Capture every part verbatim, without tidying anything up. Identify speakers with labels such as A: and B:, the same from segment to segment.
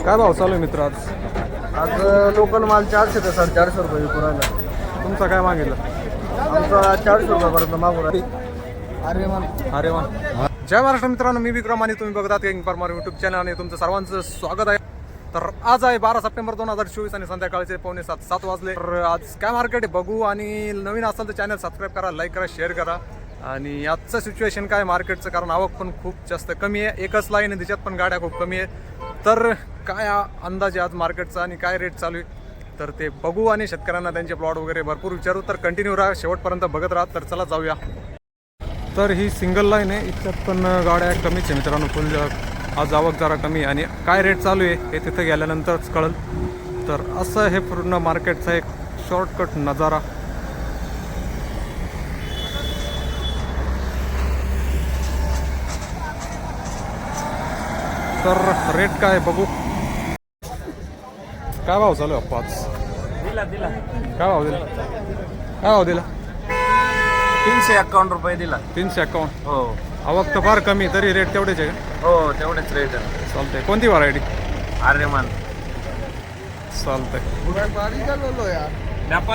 A: काय भाव चालू आहे मित्र आज?
B: आज लोकल माल चारशे ते साडेचारशे रुपये विकू राहिला.
A: तुमचा काय मागितलं?
B: आमचा चारशे रुपयापर्यंत मागू राहिला. अरे मान
A: अरे वा. जय महाराष्ट्र मित्रांनो, मी विक्रम आणि तुम्ही बघतात किंग फार्मर यूट्यूब चॅनल आणि तुमचं सर्वांचं स्वागत आहे. तर आज आहे बारा सप्टेंबर दोन हजार चोवीस आणि संध्याकाळचे पावणे सात सात वाजले. तर आज काय मार्केट आहे बघू, आणि नवीन असाल तर चॅनल सबस्क्राईब करा, लाईक करा, शेअर करा. आणि आजचं सिच्युएशन काय मार्केटचं, कारण आवक पण खूप जास्त कमी आहे, एकच लाईन आहे त्याच्यात पण गाड्या खूप कमी आहे. तर काय अंदाज आहे आज मार्केटचा आणि काय रेट चालू आहे तर ते बघू, आणि शेतकऱ्यांना त्यांचे प्लॉट वगैरे भरपूर विचारू. तर कंटिन्यू राहा, शेवटपर्यंत बघत राहा. तर चला जाऊया. तर ही सिंगल लाईन आहे, इतक्यात पण गाड्या कमीच आहे मित्रांनो. फुल आज आवक जरा कमी, आणि काय रेट चालू आहे हे तिथं गेल्यानंतरच कळेल. तर असं हे पूर्ण मार्केटचा एक शॉर्टकट नजारा. तर रेट काय बघू, काय भाव चालू आहे पाच?
B: दिला दिला
A: काय भाव दिला? काय भाव दिला?
B: तीनशे एक्कावन्न रुपये दिला.
A: तीनशे एक्कावन्न.
B: हो
A: आवक तर फार कमी, तरी रेट तेवढेच आहे का?
B: हो तेवढेच रेट आहे.
A: चालतंय. कोणती व्हरायटी?
B: आर्यमान.
A: चालतंय.
B: व्यापारी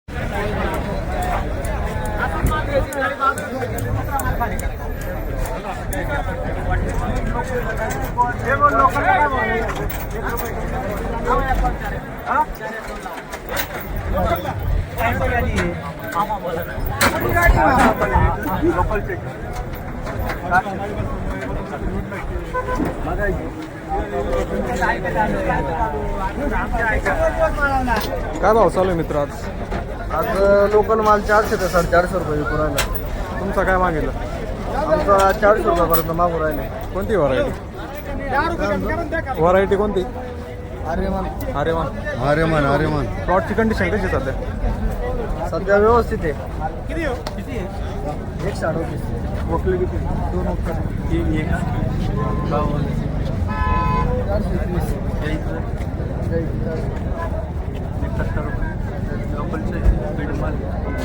A: काय भाव चालू आहे मित्र आज?
B: आज लोकल माल चारशे ते साडेचारशे रुपये विकू राहिला.
A: तुमचा काय मागितलं?
B: आमचा चारशे रुपयापर्यंत मागू राहिले.
A: कोणती व्हरायटी? व्हरायटी कोणती?
B: आर्यमान.
A: अरे वा.
B: आर्यमान आर्यमान
A: प्लॉटची कंडिशन कशी सध्या?
B: सध्या व्यवस्थित आहे. एक साडोतीस वकली किती? दोन वक्कल. तीन एक चारशे एकवीस एकाहत्तर रुपये लोकलचे. मिडम माल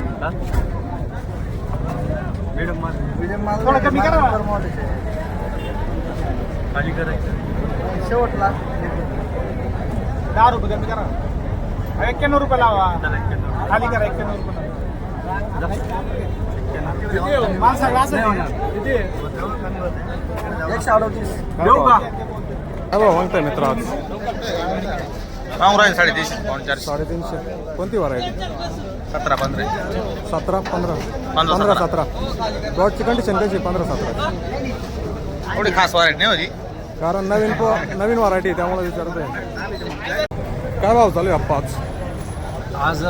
B: मिडम माल मिडम माल थोडं कमी करा. खाली करायचं शेवटला दहा रुपये कमी करा. एक्क्याण्णव रुपये लावा. खाली करा एक्क्याण्णव रुपये. एकशे अडतीस देऊ का?
A: काय भाव मागताय मित्र आज?
B: राहील साडेतीनशे पाऊन चारशे.
A: साडेतीनशे. कोणती व्हरायटी?
B: सतरा पंधरा
A: सतरा पंधरा पंधरा सतरा. प्लॉटची कंडिशन कशी? पंधरा सतरा.
B: थोडी खास व्हरायटी नाही होती,
A: कारण नवीन प नवीन व्हरायटी त्यामुळे विचारतोय. काय भाव चालू आहे पाच?
C: आज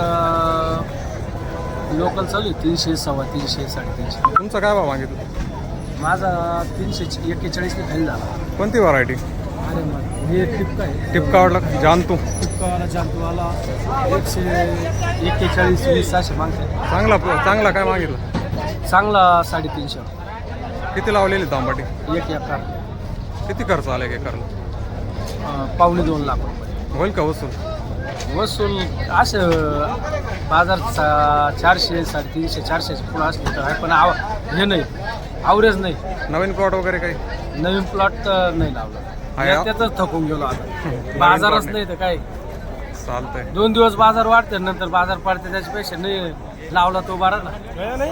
C: लोकल चालू आहे तीनशे सव्वा तीनशे साडेतीनशे.
A: तुमचा काय भाव मागितलं?
C: माझा तीनशे एक्केचाळीसने खाली झाला.
A: कोणती व्हरायटी?
C: अरे मग हे टिपका आहे.
A: टिपकावाडला जानतू.
C: टिपकावाला जांतूवाला एकशे एक्केचाळीस वीस असे मागते.
A: चांगला चांगला काय मागितलं?
C: चांगला साडेतीनशे.
A: किती लावलेली तांबाटी?
C: एक एकर.
A: किती खर्च आला एक एकरला?
C: पावणे दोन लाख रुपये
A: होईल का वसूल?
C: वसूल असं बाजार चा चारशे साडेतीनशे चारशेचे पुढं असले तर आहे, पण आव हे नाही, आवरेज नाही.
A: नवीन प्लॉट वगैरे काही?
C: नवीन प्लॉट तर नाही लावला.
A: आहे?
C: त्यातच थकून गेलो आता. बाजारच नाही तर काय.
A: चालतंय.
C: दोन दिवस बाजार वाढते, नंतर बाजार पडते, त्याच्यापेक्षा नाही लावला तो बरा ना.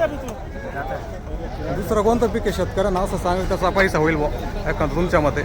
A: दुसरं कोणतं पीक आहे शेतकऱ्यांना असं सांगेल त्याचा पैसा होईल बुवा एखादं तुमच्या मते?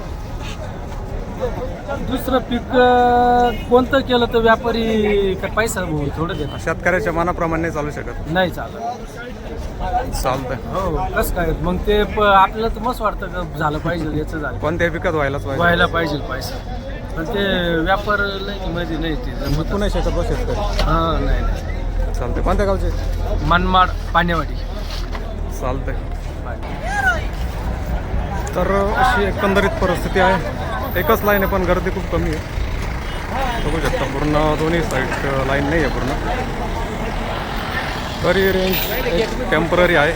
C: दुसरं पीक अं, कोणतं केलं तर व्यापारी का पैसा भाऊ थोडं देतात.
A: शेतकऱ्याच्या मनाप्रमाणे नाही चालू शकत.
C: नाही चालत.
A: चालतंय.
C: हो कसं काय मग ते प- आपल्याला तर मस्त वाटतं का झालं पाहिजे, याचं झालं
A: कोणत्याही पिकात व्हायलाच पाहिजे.
C: व्हायला पाहिजे पैसा, पण ते व्यापार नाही मध्ये नाही ते जमत.
A: विकू नाही शकत बा शेतकरी.
C: हां नाही नाही.
A: चालतंय. कोणत्या गावचे?
C: मनमाड पाण्यावाडी.
A: चालतंय. तर अशी एकंदरीत परिस्थिती आहे. एकच लाईन आहे पण गर्दी खूप कमी आहे. बघू शकता पूर्ण दोन्ही साईड लाईन नाही आहे पूर्ण, तरी रेंज एक टेम्पररी आहे.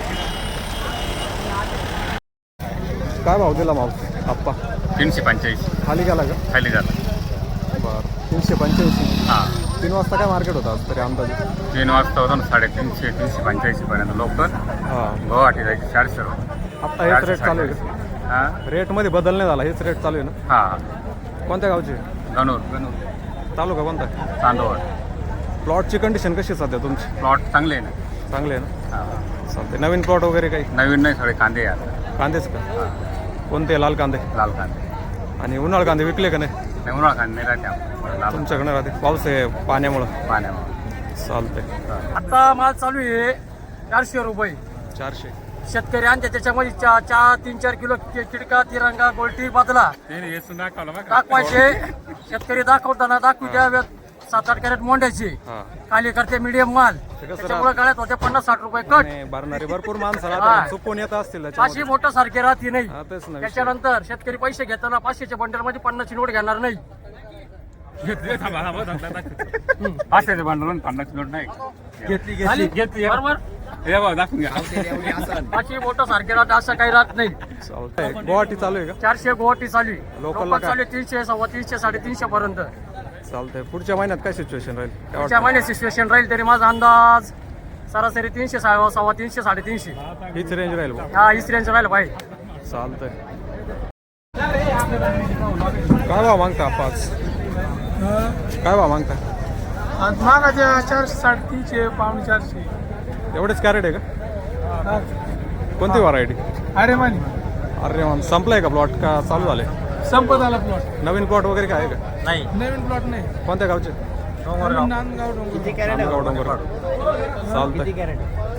A: काय भाव दिला मावस आप्पा?
B: तीनशे पंच्याऐंशी
A: खाली गेला का?
B: खाली झाला.
A: बरं. तीनशे पंच्याऐंशी.
B: हां
A: तीन वाजता काय मार्केट होतं आज तरी अंदाजे?
B: तीन वाजता होता ना साडेतीनशे तीनशे पंच्याऐंशी पर्यंत लोकल.
A: हां.
B: गुवाहाटी जायचे चारशे रुपये.
A: आत्ता हेच रेट चालू आहे का?
B: हां
A: रेटमध्ये बदल नाही झाला, हेच रेट चालू आहे ना?
B: हां
A: कोणत्या गावचे?
D: गणूर गणूर
A: तालुका कोणता?
D: चांदवड.
A: प्लॉटची कंडिशन कशी आहे सध्या तुमची?
D: प्लॉट चांगले आहे ना.
A: चांगले आहे ना?
D: हा.
A: चालते. नवीन प्लॉट वगैरे काही?
D: नवीन नाही, सगळे कांदे आहे आता.
A: कांदेच का? कोणते? लाल कांदे
D: लाल कांदे.
A: आणि उन्हाळ कांदे विकले का नाही?
D: नाही, उन्हाळा कांदे नाही राहते आमच्याकडे. लाल
A: तुमच्याकडे राहते पाऊस आहे पाण्यामुळं.
D: पाण्यावर.
A: चालतंय.
C: आता माल चालू आहे चारशे रुपये.
A: चारशे.
C: शेतकरी आणते त्याच्यामध्ये चा चा तीन चार किलो कि- किडका तिरंगा गोलटी बदला दाखवायचे. शेतकरी दाखवताना दाखवू द्या सात आठ कॅरेट मोंड्याची
A: हा.
C: खाली करते मीडियम माल.
A: कसं
C: त्याच्यामुळे गाड्यात होते पन्नास साठ रुपये कट.
A: नाही, भरणारे भरपूर माणसं
C: हा.
A: राहतात, चुकून येत असतील
C: पाचशे
A: त्याच्यामध्ये.
C: मोठं सारखे राहते नाही.
A: हा, तेच ना विषय.
C: त्याच्यानंतर शेतकरी पैसे घेताना पाचशेच्या बंडल मध्ये पन्नासची नोट घेणार नाही.
D: पाचशेचे भांडवल पन्नास नोट नाही
C: घेतली घेतली बरोबर.
D: हे बघ दाखवून घ्या.
C: पाचशे मोठं सारखे राहते असं काही राहत नाही.
A: चालतंय. गुवाहाटी चालू आहे का?
C: चारशे गुवाहाटी चालू आहे.
A: लोकलला
C: लोकल
A: काय?
C: चालू आहे तीनशे सव्वा तीनशे साडेतीनशे पर्यंत.
A: चालतंय. पुढच्या महिन्यात काय सिच्युएशन राहील काय
C: पुढच्या
A: वाटतं?
C: महिन्यात सिच्युएशन राहील तरी माझा अंदाज सरासरी तीनशे सव्वा सव्वा तीनशे साडेतीनशे
A: हीच रेंज राहील बा.
C: हा हीच रेंज राहील भाई.
A: चालतंय. काय भाव मागता पाच? काय भाव मागता?
B: मागाच्या चारशे साडेतीनशे पावणे चारशे.
A: एवढेच कॅरेट आहे का? कोणती व्हरायटी?
B: अरे मानी
A: अरे मान संपलाय का प्लॉट का चालू झाले?
B: संपत आला प्लॉट.
A: नवीन प्लॉट वगैरे काय आहे का?
C: नाही
B: नवीन प्लॉट नाही.
A: कोणत्या गावचे?
B: नांदगाव डोंगर.
A: नांदगाव डोंगर. चालतंय.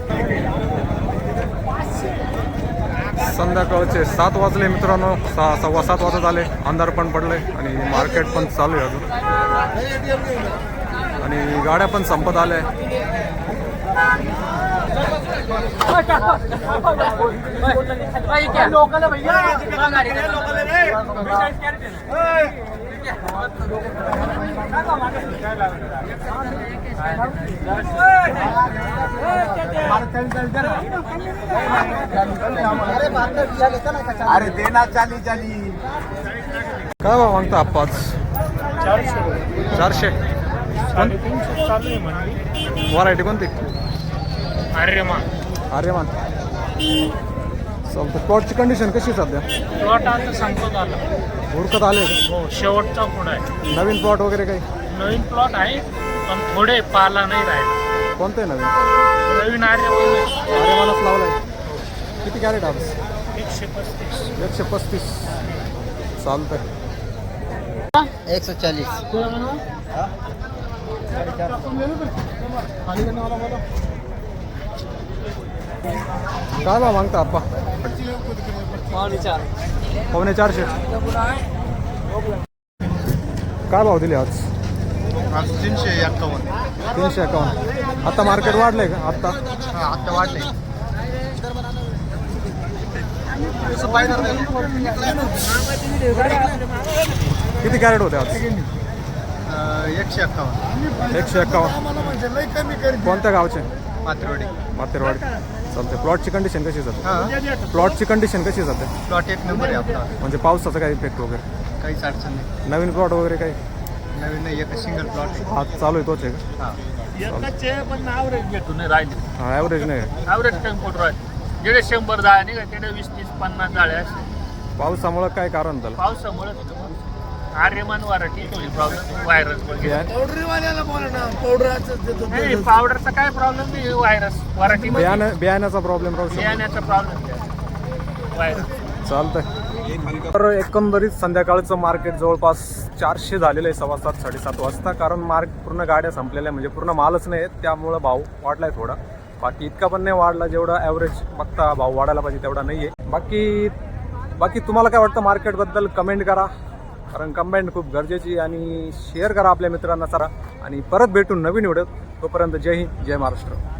A: संध्याकाळचे सात वाजले मित्रांनो. सहा सव्वा सात वाजत आले. अंधार पण पडले आणि मार्केट पण चालू आहे अजून आणि गाड्या पण संपत आल्या.
B: अरे देना चाली चाली.
A: काय भाव मागता पाच? चारशे. व्हरायटी कोणती?
C: अरे मा
A: आर्यमान. चालतं. प्लॉटची कंडिशन कशी आहे सध्या?
C: प्लॉट आता संपत आला.
A: उरकत आले का?
C: हो शेवटचा पुढं आहे.
A: नवीन प्लॉट वगैरे काही?
C: नवीन प्लॉट आहे पण थोडे पाला नाही राहिले.
A: कोणतं आहे नवीन?
C: नवीन आर्य
A: आर्यमानच लावलाय. किती कॅरेट आज?
C: एकशे पस्तीस.
A: एकशे पस्तीस. चालतंय.
E: एक सौ चालीस।
A: काय भाव मागता आप्पा? पावणे चारशे. काय भाव दिले आज?
B: आज तीनशे एक्कावन्न.
A: तीनशे एकावन्न. आता मार्केट वाढलंय का? आत्ता
B: हा आता वाढले.
A: किती कॅरेट होते आज?
B: एकशे एक्कावन्न.
A: एकशे एकावन्न. कोणत्या गावचे?
B: मात्रेवाडी.
A: मातेरवाडी. चालते. प्लॉटची कंडिशन कशी आहे सध्या?
B: हा
A: प्लॉटची कंडिशन कशी आहे सध्या?
B: प्लॉट एक नंबर आहे आपला.
A: म्हणजे पावसाचा काय इफेक्ट वगैरे?
B: काहीच अडचण नाही.
A: नवीन प्लॉट वगैरे काही?
B: नवीन नाही, एक सिंगल प्लॉट आहे.
A: आज चालू आहे तोच आहे का?
B: हा
C: पण ॲव्हरेज भेटून नाही राहिले.
A: हा, ॲव्हरेज नाही.
C: ॲव्हरेज टेम्पोट राहिले. जेडे शंभर जाळे नाही का तेडे वीस तीस पन्नास जाळे असे.
A: पावसामुळं काय कारण झालं?
C: पावसामुळे आर्यमान वाराठी थोडी प्रॉब्लेम व्हायरस वगैरे. नाही पावडरचा काय प्रॉब्लेम नाही. व्हायरस वराठी
A: बियाणं बियाण्याचा प्रॉब्लेम राहू शकतो.
C: बियाण्याचा प्रॉब्लेम व्हायरस.
A: चालतंय. तर एकंदरीत संध्याकाळचं मार्केट जवळपास चारशे झालेलं आहे सव्वा सात साडेसात वाजता. कारण मार्क पूर्ण गाड्या संपलेल्या म्हणजे पूर्ण मालच नाही आहेत, त्यामुळं भाव वाढलाय थोडा. बाकी इतका पण नाही वाढला जेवढा ॲव्हरेज बघता भाव वाढायला पाहिजे तेवढा नाही आहे. बाकी बाकी तुम्हाला काय वाटतं मार्केटबद्दल कमेंट करा, कारण कमेंट खूप गरजेची. आणि शेअर करा आपल्या मित्रांना सारा. आणि परत भेटून नवीन व्हिडिओ. तोपर्यंत जय हिंद जय महाराष्ट्र.